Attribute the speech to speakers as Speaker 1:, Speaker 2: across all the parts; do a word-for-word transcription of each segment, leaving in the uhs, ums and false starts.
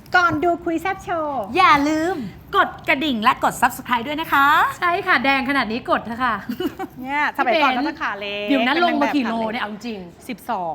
Speaker 1: ก่อนดูคุยแซบโชว์
Speaker 2: อย่าลืมกดกระดิ่งและกด ซับสไครบ์ ด้วยนะคะ
Speaker 3: ใช่ค่ะแดงขนาดนี้กดเถอะค่ะ
Speaker 1: เนี่ยสมัยก่อนก็จะขาเล็ก
Speaker 3: เดี๋ยวนั้นลงมากี่โล
Speaker 1: ป็
Speaker 3: เนี่ยเอาจริง
Speaker 1: สิบสอง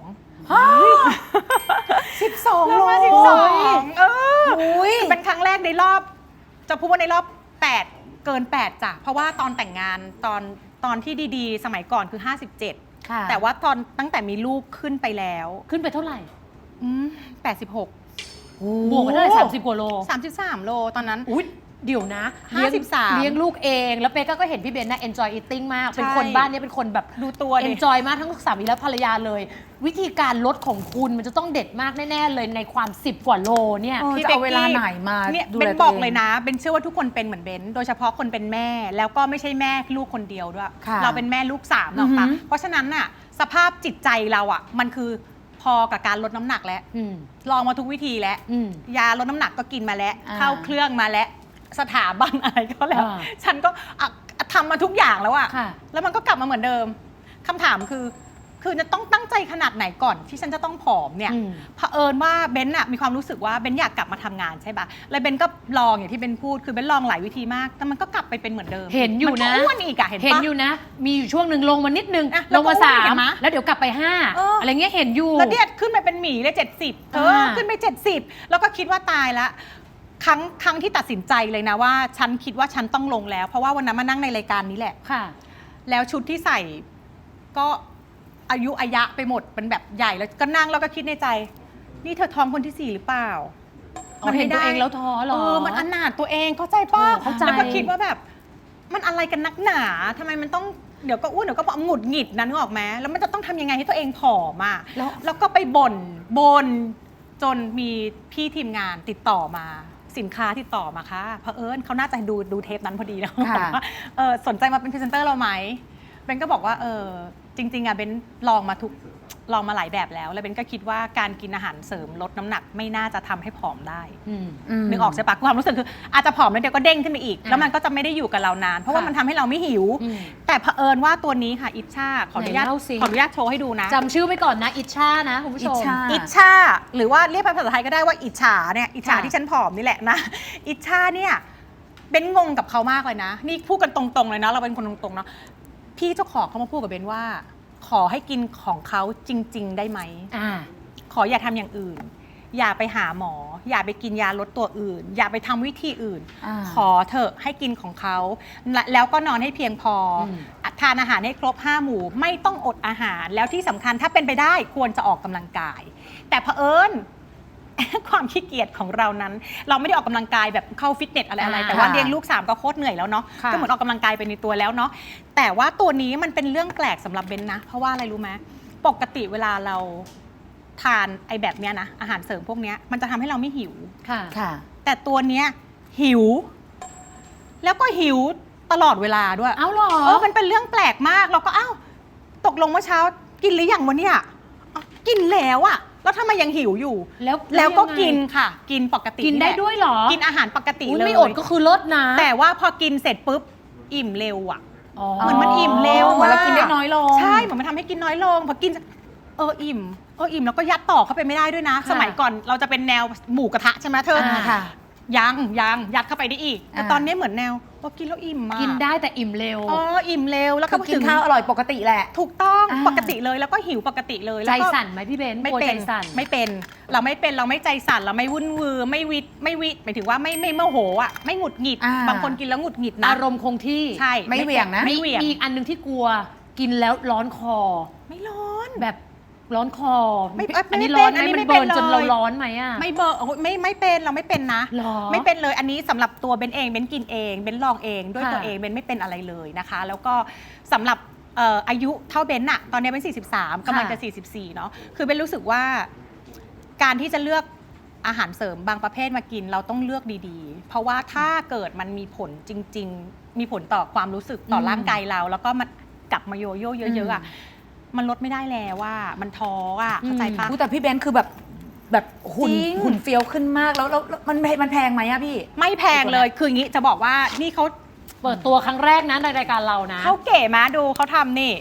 Speaker 2: สิบสอง
Speaker 1: ล
Speaker 2: โล
Speaker 1: งมาสิบสองเออ
Speaker 2: อุ้ย
Speaker 1: เป็นครั้งแรกในรอบ จะพูดว่าในรอบแปดเกินแปดจ้ะเพราะว่าตอนแต่งงานตอนตอนที่ดีๆ สมัยก่อนคือห้าสิบเจ็ด
Speaker 3: ค่ะ
Speaker 1: แต่ว่าตอนตั้งแต่มีลูกขึ้นไปแล้ว
Speaker 3: ขึ้นไปเท่าไหร่
Speaker 1: อืมแปดสิบหก
Speaker 3: บวกมาเท่าไหร่สามสิบกว่าโล
Speaker 1: สามสิบสามโลตอนนั้น
Speaker 3: อุ้ยเดี๋ยวนะ
Speaker 1: ห้าสิบสาม
Speaker 3: เลี้ยงลูกเองแล้วเป๊กก็เห็นพี่เบนน่ะ enjoy eating มาก เป็น
Speaker 1: ใช่
Speaker 3: คนบ้านเนี้เป็นคนแบบ
Speaker 1: ดูตัวดิ
Speaker 3: enjoy มากทั้งสามีและภรรยาเลย วิธีการลดของคุณมันจะต้องเด็ดมากแน่ ๆ เลยในความสิบกว่าโลเนี่ย
Speaker 2: เออจะเอาเวลาไหนมา
Speaker 1: เนี่ย
Speaker 2: ดู
Speaker 1: เบ
Speaker 2: แล
Speaker 1: น
Speaker 2: ตัว
Speaker 1: บอก
Speaker 2: เอง
Speaker 1: เลยนะเบนเชื่อว่าทุกคนเป็นเหมือนเบนโดยเฉพาะคนเป็นแม่แล้วก็ไม่ใช่แม่ลูกคนเดียวด้วย
Speaker 2: ค่ะ
Speaker 1: เราเป็นแม่ลูกสามหรอก
Speaker 2: อือหื
Speaker 1: ปะ
Speaker 2: อ
Speaker 1: เพราะฉะนั้นน่ะสภาพจิตใจเราอ่ะมันคือพอกับการลดน้ำหนักแล้ว
Speaker 3: อืม
Speaker 1: ลองมาทุกวิธีแล้ว
Speaker 3: อืม
Speaker 1: ยาลดน้ำหนักก็กินมาแล้ว
Speaker 2: อ่า
Speaker 1: เข้าเครื่องมาแล้วสถาบันอะไรก็แล้ว
Speaker 3: อ่า
Speaker 1: ฉันก็อ่ะทำมาทุกอย่างแล้วอะ
Speaker 3: ค่ะ
Speaker 1: แล้วมันก็กลับมาเหมือนเดิมคำถามคือ คือจะต้องตั้งใจขนาดไหนก่อนที่ฉันจะต้องผอมเนี่ย
Speaker 3: อืม
Speaker 1: เผอิญว่าเบนอะมีความรู้สึกว่าเบนอยากกลับมาทำงานใช่ปะแล้วเบนก็ลองอย่างที่เบนพูดคือเบนลองหลายวิธีมากแต่มันก็กลับไปเป็นเหมือนเดิม
Speaker 3: เห็นอยู่นะ
Speaker 1: มัก็อ้วนอีกอะเห็น
Speaker 3: เห็น
Speaker 1: ปะ
Speaker 3: อยู่นะ มีอยู่ช่วงหนึ่งลงมานิดนึง
Speaker 1: อ่ะ
Speaker 3: ลงมา
Speaker 1: แล้วก็
Speaker 3: สา
Speaker 1: อ้วนเห็
Speaker 3: ม
Speaker 1: นไหม
Speaker 3: แล้วเดี๋ยวกลับไปห้า
Speaker 1: เอออ
Speaker 3: อะไรเงี้ยเห็นอยู่
Speaker 1: แล้วเดียดขึ้นไปเป็นหมีเลยเจ็ดสิบเธอ
Speaker 3: อ่า
Speaker 1: ขึ้นไปเจ็ดสิบแล้วก็คิดว่าตายละครั้งครั้งที่ตัดสินใจเลยนะว่าฉันคิดว่าฉันต้องลงแล้ว เพราะว่าวันนั้นมานั่งในรายการนี้แหละ
Speaker 3: ค่ะ
Speaker 1: แล้วชุดที่ใส่ก็อายุอายะไปหมดเป็นแบบใหญ่แล้วก็นั่งแล้วก็คิดในใจ นี่เธอท้องคนที่สี่หรือเปล่า
Speaker 3: อ๋อเห็นตัวเองแล้วท้อเหรอ
Speaker 1: เออมันอนาถตัวเองเข้าใจป่ะ
Speaker 3: เออเข้าใจ
Speaker 1: แล้วก็คิดว่าแบบมันอะไรกันนักหนาทำไมมันต้องเดี๋ยวก็อ้วนเดี๋ยวก็หงุดหงิดนะนึกออกไหมแล้วมันจะต้องทำยังไงให้ตัวเองผอมอ่ะ
Speaker 3: แล้ว
Speaker 1: แล้วก็ไปบ่นบ่นจนมีพี่ทีมงานติดต่อมา สินค้าติดต่อมาค่ะเผอิญเขาน่าจะดูดูเทปนั้นพอดีนะ
Speaker 2: ค่ะ
Speaker 1: บอกว่าเออสนใจมาเป็นพรีเซนเตอร์เราไหมเบนก็บอกว่าเออจริงๆอะเบนลองมาทุกลองมาหลายแบบแล้ว แล้วเบนก็คิดว่าการกินอาหารเสริมลดน้ำหนักไม่น่าจะทำให้ผอมได้
Speaker 3: อืม
Speaker 2: ม
Speaker 1: นึกออกใช่ปะความรู้สึกคืออาจจะผอมแล้วเดี๋ยวก็เด้งขึ้นไปอีก
Speaker 3: อ่ะ
Speaker 1: แล้วมันก็จะไม่ได้อยู่กับเรานาน เพราะว่า
Speaker 3: ค่ะ
Speaker 1: มันทำให้เราไม่หิว
Speaker 3: อืม
Speaker 1: แต่เผอิญว่าตัวนี้ค่ะอิชชาขออนุญาต
Speaker 3: ไหนเล่าสิ
Speaker 1: ขออนุญาตโชว์ให้ดูนะ
Speaker 3: จำชื่อไว้ก่อนนะ อิชชานะคุณผู้ชม
Speaker 2: อิชชา
Speaker 1: อิชชาหรือว่าเรียกภาษาไทยก็ได้ว่าอิจฉาเนี่ยอิจฉา
Speaker 3: ค่ะ
Speaker 1: ที่ฉันผอมนี่แหละนะ อิชชาเนี่ยเบนงงกับเขามากเลยนะ นี่พูดกันตรงๆเลยนะ เราเป็นคนตรงๆเนาะพี่เจ้าของเขามาพูดกับเบนว่า ขอให้กินของเขาจริง ๆ ได้ไหม
Speaker 3: อ่า
Speaker 1: ขออย่าทำอย่างอื่น อย่าไปหาหมอ อย่าไปกินยาลดตัวอื่น อย่าไปทำวิธีอื่น
Speaker 2: อ่า
Speaker 1: ขอเถอะให้กินของเขาและแล้วก็นอนให้เพียงพออ
Speaker 3: ม
Speaker 1: ทานอาหารให้ครบห้าหมู่ ไม่ต้องอดอาหาร แล้วที่สำคัญถ้าเป็นไปได้ควรจะออกกำลังกาย แต่เผอิญ ความขี้เกียจของเรานั้น เราไม่ได้ออกกำลังกายแบบเข้าฟิตเนสอะไรอะไร
Speaker 3: อ่า
Speaker 1: แต่ว่าเลี้ยงลูกสามก็โคตรเหนื่อยแล้วเนาะ
Speaker 3: ค่ะ
Speaker 1: ก็เหมือนออกกำลังกายไปในตัวแล้วเนาะแต่ว่าตัวนี้มันเป็นเรื่องแปลกสำหรับเบนนะ เพราะว่าอะไรรู้ไหมปกติเวลาเราทานไอ้แบบเนี้ยนะอาหารเสริมพวกเนี้ยมันจะทำให้เราไม่หิว
Speaker 3: ค่ะ
Speaker 2: ค่ะ
Speaker 1: แต่ตัวเนี้ยหิว แล้วก็หิวตลอดเวลาด้วย
Speaker 3: เอาเหรอ
Speaker 1: เออมันเป็นเรื่องแปลกมากเราก็อ้าวตกลงเมื่อเช้ากินหรือยังวะเนี่ยอ้าวกินแล้วอะแล้วทำไมยังหิวอยู่
Speaker 3: แล้ว
Speaker 1: แล้วก็
Speaker 3: ยังไง
Speaker 1: กินค่ะ กินปกติ
Speaker 3: กินได้
Speaker 1: แหละ
Speaker 3: ด้วยเหรอ
Speaker 1: กินอาหารปกติ
Speaker 3: อุ๊ย
Speaker 1: เลย
Speaker 3: ไม่อดก็คือลดนะ
Speaker 1: แต่ว่าพอกินเสร็จปุ๊บอิ่มเร็วอะ
Speaker 3: อ๋อ
Speaker 1: เหมือนมันอิ่มเร็ว
Speaker 2: เหมือนเรากินได้น้อยลง
Speaker 1: ใช่เหมือนมันทำให้กินน้อยลงพอกินเอออิ่มเอออิ่มแล้วก็ยัดต่อเข้าไปไม่ได้ด้วยนะ
Speaker 3: ค่ะ
Speaker 1: สมัยก่อนเราจะเป็นแนวหมูกระทะใช่ไหมเธอ
Speaker 3: อ่า
Speaker 2: ค่ะ
Speaker 1: ยังยังยัดเข้าไปได้อีกแต่
Speaker 2: อ่า
Speaker 1: ตอนนี้เหมือนแนวพอกินแล้วอิ่มมาก
Speaker 3: กินได้แต่อิ่มเร็ว
Speaker 1: อ๋ออิ่มเร็วแล้วก็
Speaker 2: คือกินข้าวอร่อยปกติแหละ
Speaker 1: ถูกต้อง
Speaker 2: อ่า
Speaker 1: ปกติเลยแล้วก็หิวปกติเลย
Speaker 3: ใจ
Speaker 1: แล้วก็
Speaker 3: สั่นไหมพี่เบน
Speaker 1: ไม่
Speaker 3: กลัว
Speaker 1: เป็
Speaker 3: ใจ
Speaker 1: น
Speaker 3: สั่น
Speaker 1: ไม่เป็นเราไม่เป็นเราไม่ใจสั่นเราไม่วุ่นวือไม่วิตไม่วิตหมายถึงว่าไม่ไม่โมโหอ่ะไม่หงุดหงิด
Speaker 2: อ่า
Speaker 1: บางคนกินแล้วหงุดหงิดนะ
Speaker 3: อารมณ์คงที่
Speaker 1: ใช่
Speaker 2: ไม่เหวี่ยงนะ
Speaker 1: ไม่เหวี่ยง
Speaker 3: มีอีกอันหนึงที่กลัวกินแล้วร้อนคอ
Speaker 1: ไม่ร้อน
Speaker 3: แบบร้อนคอ
Speaker 1: ไม่เอ้ย
Speaker 3: อันนี้
Speaker 1: ไม่
Speaker 3: ร้อน
Speaker 1: เป็น
Speaker 3: ไหม
Speaker 1: อันนี้
Speaker 3: มัน
Speaker 1: ไม่เป็
Speaker 3: เบิ
Speaker 1: น
Speaker 3: ร์นจน
Speaker 1: เลย
Speaker 3: เราร้อนไหมอ่ะ
Speaker 1: ไม่เบอร์โอ้ยไม่ไม่เป็นเราไม่เป็นนะ
Speaker 3: หรอ
Speaker 1: ไม่เป็นเลยอันนี้สำหรับตัวเบนเองเบนกินเองเบนลองเองด้วย
Speaker 3: ค่ะ
Speaker 1: ตัวเองเบนไม่เป็นอะไรเลยนะคะ แล้วก็สำหรับเอ่ออายุเท่าเบนอะตอนนี้เป็นสี่สิบสามกำลังจะสี่สิบสี่เนาะคือเบนรู้สึกว่าการที่จะเลือกอาหารเสริมบางประเภทมากินเราต้องเลือกดีๆ เพราะว่าถ้าเกิดมันมีผลจริง ๆ มีผลต่อความรู้สึกต่ออ
Speaker 3: ม
Speaker 1: ร่างกายเรา แล้วก็มันกลับมาโยโย่เยอะๆอะมันลดไม่ได้แล้วว่ามันท้ออะเข้าใจปะ
Speaker 2: พูดแต่พี่เบนซ์คือแบบแบบหุ่น
Speaker 1: จริง
Speaker 2: หุ่นเฟี้ยวขึ้นมากแล้วแล้วแล้วมันมันแพงไหมอะพี่
Speaker 1: ไม่แพงเลย คืออย่างนี้จะบอกว่านี่เขา
Speaker 3: เปิดตัวครั้งแรกนะในรายการเรานะ
Speaker 1: เขาเก๋มาดูเขาทำนี่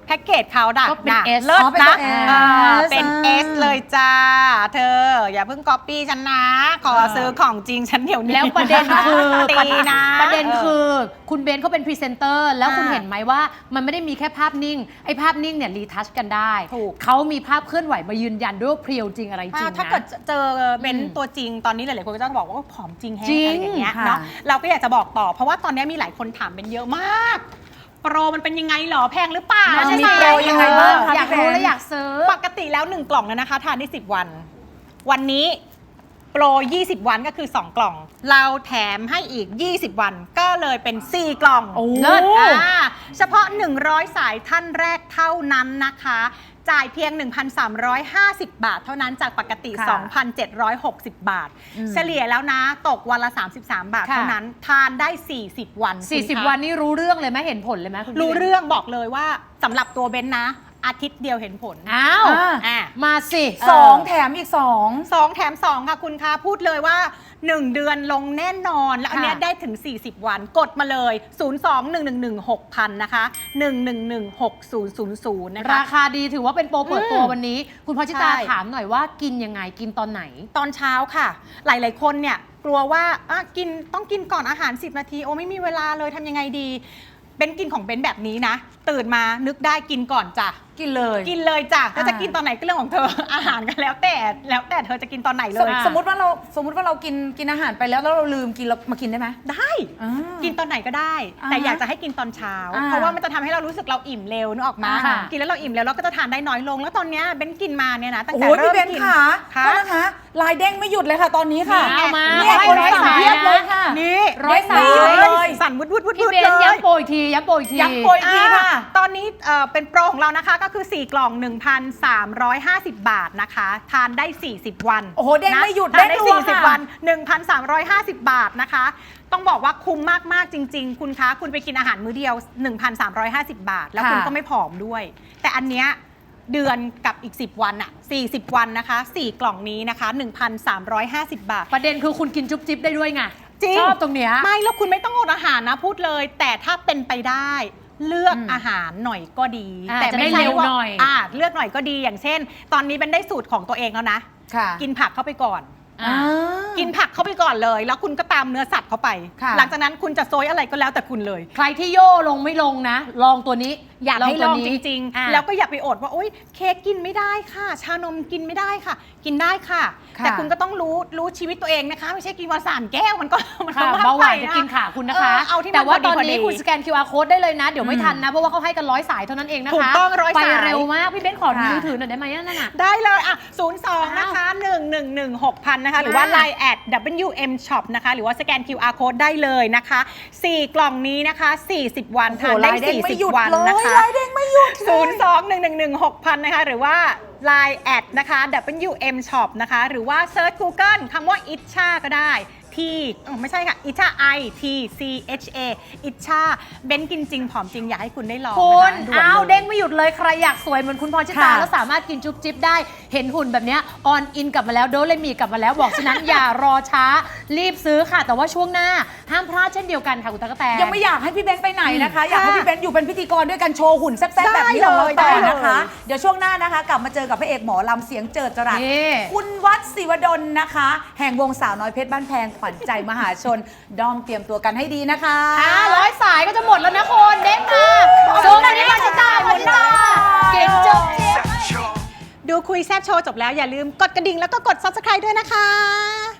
Speaker 1: แพ็กเกจเขาดัก
Speaker 3: ก็เป็น
Speaker 1: นะ
Speaker 3: S
Speaker 1: เลิศ
Speaker 2: อ๋อเป็น
Speaker 1: นะ
Speaker 2: ตัว S
Speaker 1: อ่าเป็น
Speaker 2: อ่า
Speaker 1: S เลยจ้า เธอ อย่าเพิ่งก๊อปปี้ฉันนะ ขอซื้อของจริงฉันเดี๋ยวนี้
Speaker 3: แล้วประเด็นคือ
Speaker 1: ตีนะ
Speaker 3: ประเด็นคือคุณเบนเขาเป็นพรีเซนเตอร์แล้วคุณ
Speaker 1: อ่า
Speaker 3: เห็นไหมว่ามันไม่ได้มีแค่ภาพนิ่ง ไอ้ภาพนิ่งเนี่ยรีทัชกันได้
Speaker 1: ถูก
Speaker 3: เขามีภาพเคลื่อนไหวมายืนยันด้วยว่าเพรียวจริงอะไรจริง
Speaker 1: ถ้า
Speaker 3: นะ
Speaker 1: เกิดเจอเบน
Speaker 3: อืม
Speaker 1: ตัวจริงตอนนี้หลายๆคนก็จะบอกว่าผอมจริงแฮะ
Speaker 3: จริง
Speaker 1: อะไรอย่างเงี้ย
Speaker 2: ค่ะ
Speaker 1: เนาะเราก็อยากจะบอกต่อ เพราะว่าตอนนี้มีหลายคนถามเบนเยอะมาก โปรมันเป็นยังไงหรอแพงหรือเปล่า
Speaker 3: น่า
Speaker 1: ใช่
Speaker 3: จะ
Speaker 1: ไหม
Speaker 3: มีโปรยังไงบ้างคะ
Speaker 2: พี่
Speaker 3: อยาก
Speaker 2: แบงค์
Speaker 3: รู้และอยากซื้อ
Speaker 1: ปกติแล้วหนึ่งกล่องเนี่ยนะคะทานได้สิบวัน วันนี้โปรยี่สิบวันก็คือสองกล่อง เราแถมให้อีกยี่สิบวันก็เลยเป็นสี่กล่อง
Speaker 3: โอ้
Speaker 1: เลิศอ่าเฉพาะหนึ่งร้อยสายท่านแรกเท่านั้นนะคะ จ่ายเพียง หนึ่งพันสามร้อยห้าสิบ บาท เท่านั้นจากปกติ
Speaker 2: ค่ะ
Speaker 1: สองพันเจ็ดร้อยหกสิบ บาท
Speaker 2: อืม
Speaker 1: เฉลี่ยแล้วนะตกวันละ สามสิบสาม บาท
Speaker 3: ค่ะ
Speaker 1: เท่านั้นทานได้ สี่สิบ วัน
Speaker 3: สี่สิบ
Speaker 1: คุณคะ
Speaker 3: วันนี่รู้เรื่องเลยไหมเห็นผลเลยไหมคุณ
Speaker 1: รู้
Speaker 3: พี่
Speaker 1: เรื่องบอกเลยว่าสำหรับตัวเบนนะ อาทิตย์เดียวเห็นผล
Speaker 3: อ้าว
Speaker 2: อ่า
Speaker 1: อ่ะ
Speaker 3: มาสิ
Speaker 2: สอง
Speaker 3: เ
Speaker 2: แถมอีกสอง
Speaker 1: สองแถมสองค่ะคุณคะพูดเลยว่า หนึ่ง เดือนลงแน่นอน แล้วอันเนี้ย
Speaker 3: ค่ะ
Speaker 1: ได้ถึง สี่สิบ วันกดมาเลย ศูนย์ สอง หนึ่ง หนึ่ง หนึ่ง หก พัน นะคะ หนึ่ง หนึ่ง หนึ่ง หก ศูนย์ ศูนย์ ศูนย์ นะคะ
Speaker 3: ราคาดีถือว่าเป็นโปรเปิดตัว
Speaker 1: อืม
Speaker 3: วันนี้ คุณพอชิตา
Speaker 1: ใช่
Speaker 3: ถามหน่อยว่ากินยังไงกินตอนไหน
Speaker 1: ตอนเช้าค่ะ หลาย ๆ คนเนี่ยกลัวว่าอ่ะกินต้องกินก่อนอาหาร สิบ นาที โอ้ไม่มีเวลาเลยทำยังไงดีเบนกินของเบนแบบนี้นะ ตื่นมานึกได้กินก่อนจ้ะ
Speaker 2: กินเลย
Speaker 1: กินเลยจ้ะถ้าจะ
Speaker 2: อ่า
Speaker 1: กินตอนไหนก็เรื่องของเธอ อาหารก็แล้วแต่แล้วแต่เธอจะกินตอนไหนเล
Speaker 2: สม
Speaker 1: ย
Speaker 2: สมมติว่าเราสมมติว่าเรากินกินอาหารไปแล้วแล้วเราลืมกินเรามากินได้ไหม
Speaker 1: ได้
Speaker 2: อ่า
Speaker 1: กินตอนไหนก็ได้
Speaker 2: อ่า
Speaker 1: แต่อยากจะให้กินตอนเช้า
Speaker 2: อ่า
Speaker 1: เพราะว่ามันจะทำให้เรารู้สึกเราอิ่มเร็วนึกออกมา
Speaker 3: ค่ะ
Speaker 1: กินแล้วเราอิ่มเร็วเราก็จะทานได้น้อยลง แล้วตอนเนี้ยเบนกินมาเนี่ยนะตั้ง
Speaker 2: โอ้
Speaker 1: แต่
Speaker 2: โห
Speaker 1: เริ่
Speaker 2: พี่
Speaker 1: ม
Speaker 2: เบน
Speaker 1: กิน
Speaker 2: ค่ะ
Speaker 1: ค่ะ
Speaker 2: โทษนะคะลายเด้งไม่หยุดเลยค่ะตอนนี้ค่ะ
Speaker 3: นี่เอามา
Speaker 2: เนี่ย
Speaker 3: ร้อย
Speaker 2: คน
Speaker 3: ร้อย
Speaker 2: สั่ง
Speaker 3: สาย
Speaker 2: เพียบ
Speaker 3: นะ
Speaker 2: เลยค่ะ
Speaker 1: นี่
Speaker 3: ร้อยสาย
Speaker 1: เด้ง
Speaker 2: เลย
Speaker 1: สั่นวุดวุดวุด
Speaker 3: พี่
Speaker 1: วุด
Speaker 3: เบน
Speaker 1: เลย
Speaker 3: ย้ำโปรอีกทีย้ำโปรอีกที
Speaker 2: ย้ำโปรอีกทีค่ะ
Speaker 1: อ่าตอนนี้เอ่อเป็นโปรของเรานะคะก็คือ สี่ กล่อง หนึ่งพันสามร้อยห้าสิบ บาทนะคะ ทานได้ สี่สิบ วัน
Speaker 2: โอ้โหเด้ง
Speaker 1: นะ
Speaker 2: ไม่หยุด
Speaker 1: ทานได้
Speaker 2: เด้งรัว
Speaker 1: สี่สิบ
Speaker 2: ค่ะ
Speaker 1: วัน หนึ่งพันสามร้อยห้าสิบ บาทนะคะ ต้องบอกว่าคุ้มมาก ๆ จริง ๆ คุณคะ คุณไปกินอาหารมื้อเดียว หนึ่งพันสามร้อยห้าสิบ บาท แล้วคุณ
Speaker 2: ค่ะ
Speaker 1: ก็ไม่ผอมด้วย แต่อันเนี้ยเดือนกับอีก สิบ วันอะสี่สิบ วันนะคะ สี่ กล่องนี้นะคะ หนึ่งพันสามร้อยห้าสิบ บาท
Speaker 3: ประเด็นคือคุณกินจุ๊บจิ๊บได้ด้วยไง
Speaker 1: จริง
Speaker 3: ชอบตรงเนี้ย
Speaker 1: ไม่แล้วคุณไม่ต้องอดอาหารนะพูดเลย แต่ถ้าเป็นไปได้เลือก
Speaker 2: อืม
Speaker 1: อาหารหน่อยก็ดี
Speaker 3: อ่า
Speaker 1: แต่
Speaker 3: จะได้
Speaker 1: ไม่ใช่
Speaker 3: เร็ว
Speaker 1: ว่า
Speaker 3: หน่อย
Speaker 1: อ่าเลือกหน่อยก็ดีอย่างเช่น ตอนนี้เป็นได้สูตรของตัวเองแล้วนะ
Speaker 2: ค่ะ
Speaker 1: กินผักเข้าไปก่อน
Speaker 3: อ่า
Speaker 1: กินผักเข้าไปก่อนเลย แล้วคุณก็ตามเนื้อสัตว์เข้าไป
Speaker 2: ค่ะ
Speaker 1: หลังจากนั้นคุณจะโซยอะไรก็แล้วแต่คุณเลย
Speaker 3: ใครที่โย่ลงไม่ลงนะ ลองตัวนี้ อยาก
Speaker 1: ลอง
Speaker 3: ให้
Speaker 1: ล
Speaker 3: ล
Speaker 1: อ
Speaker 3: อง ง
Speaker 1: จ
Speaker 3: จ
Speaker 1: ริ
Speaker 3: ริ
Speaker 1: ง
Speaker 3: งๆ
Speaker 1: ๆ แล้วก็อย่าไปอดว่าโอ๊ยเค้กกินไม่ได้ค่ะ ชานมกินไม่ได้ค่ะ กินได้ค่ะ
Speaker 2: ค่ะ
Speaker 1: แต่คุณก็ต้องรู้รู้ชีวิตตัวเองนะคะ ไม่ใช่กินวันสามแก้วมันก็มันก็
Speaker 3: ค่ะ
Speaker 1: มาก
Speaker 3: เบาห
Speaker 1: ไป
Speaker 3: วานจะ
Speaker 1: นะ
Speaker 3: กินขาคุณนะคะ
Speaker 1: เออเอาที่มัน
Speaker 3: แต่ว่า
Speaker 1: พอดี
Speaker 3: ตอน
Speaker 1: พอดี
Speaker 3: นี้คุณสแกน คิว อาร์ Code ได้เลยนะ เดี๋ยวไม่
Speaker 2: อืม
Speaker 3: ทันนะ เพราะว่าเขาให้กันร้อยสายเท่านั้นเองนะคะ
Speaker 1: ถูกต้องร้อย
Speaker 3: ไป
Speaker 1: สาย
Speaker 3: เร็วมาก พี่เบนขอ
Speaker 2: ค่ะ
Speaker 3: มือถือหน่อยได้ไหมนั่นน่ะ
Speaker 1: ได้เลยอ่ะศูนย์ สอง นะคะ หนึ่ง หนึ่ง หนึ่ง หก พัน นะคะ หรือว่า
Speaker 3: อ่า
Speaker 1: ไลน์ แอด ดับเบิลยู เอ็ม ช็อป นะคะ หรือว่าสแกน คิว อาร์ Code ได้เลยนะคะ สี่ กล่องนี้นะคะ สี่สิบ วัน
Speaker 2: โอ้โห
Speaker 1: ทานได้
Speaker 2: ลายเด้งไม่หยุ
Speaker 1: สี่สิบ
Speaker 2: ด
Speaker 1: วัน
Speaker 2: เลย
Speaker 1: นะคะ
Speaker 2: ลายเด้งไม่หยุดเลย
Speaker 1: ศูนย์ สอง หนึ่ง หนึ่ง หนึ่ง หก พัน นะคะ หรือว่า ไลน์ แอด นะคะ ดับเบิลยู เอ็ม ช็อป นะคะ หรือว่าเซิร์ช Google คำว่า อิชชา ก็ได้ที่อ๋อไม่ใช่ค่ะ อิชชา I T C H A อิชชาเบนกินจริงผอมจริงอยากให้คุณได้ลอง
Speaker 3: คุณ
Speaker 1: นะคะด่วน
Speaker 3: อ้าว
Speaker 1: ลย
Speaker 3: เด้งไม่หยุดเลยใครอยากสวยเหมือนคุณพรชิตา
Speaker 2: ค่ะ
Speaker 3: แล้วสามารถกินจุ๊บจิ๊บได้ เห็นหุ่นแบบเนี้ยออนอินกลับมาแล้วโดเลมีกลับมาแล้วบอกฉะนั้น อย่ารอช้ารีบซื้อค่ะ แต่ว่าช่วงหน้าห้ามพลาดเช่นเดียวกันค่ะคุณตะกกะแตน
Speaker 2: ยังไม่อยากให้พี่เบนไปไหนนะคะ
Speaker 1: อืม
Speaker 2: อยากให้
Speaker 1: ค่ะ
Speaker 2: พี่เบนอยู่เป็นพิธีกรด้วยกันโชว์หุ่นแซ่บๆแบบนี้
Speaker 1: ได้
Speaker 2: ของเรา
Speaker 1: เลย
Speaker 2: ต่อ
Speaker 1: ได้เลย
Speaker 2: นะคะ เดี๋ยวช่วงหน้านะคะ กลับมาเจอกับพระเอกหมอลำเสียงเจิดจรัส
Speaker 3: นี่
Speaker 2: คุณวัดศิวดลนะคะ แห่งวงสาวน้อยเพชรบ้านแพงขวัญใจมหาชนด้อมเตรียมตัวกันให้ดีนะคะ
Speaker 3: อ่าร้อยสายก็จะหมดแล้วนะคุณเด้งมาซูมมาที่พรชิตาพรชิตากินจุ๊บจิ๊บ
Speaker 1: ดูคุยแซบโชว์จบแล้วอย่าลืมกดกระดิ่งแล้วก็กด ซับสไครบ์ ด้วยนะคะ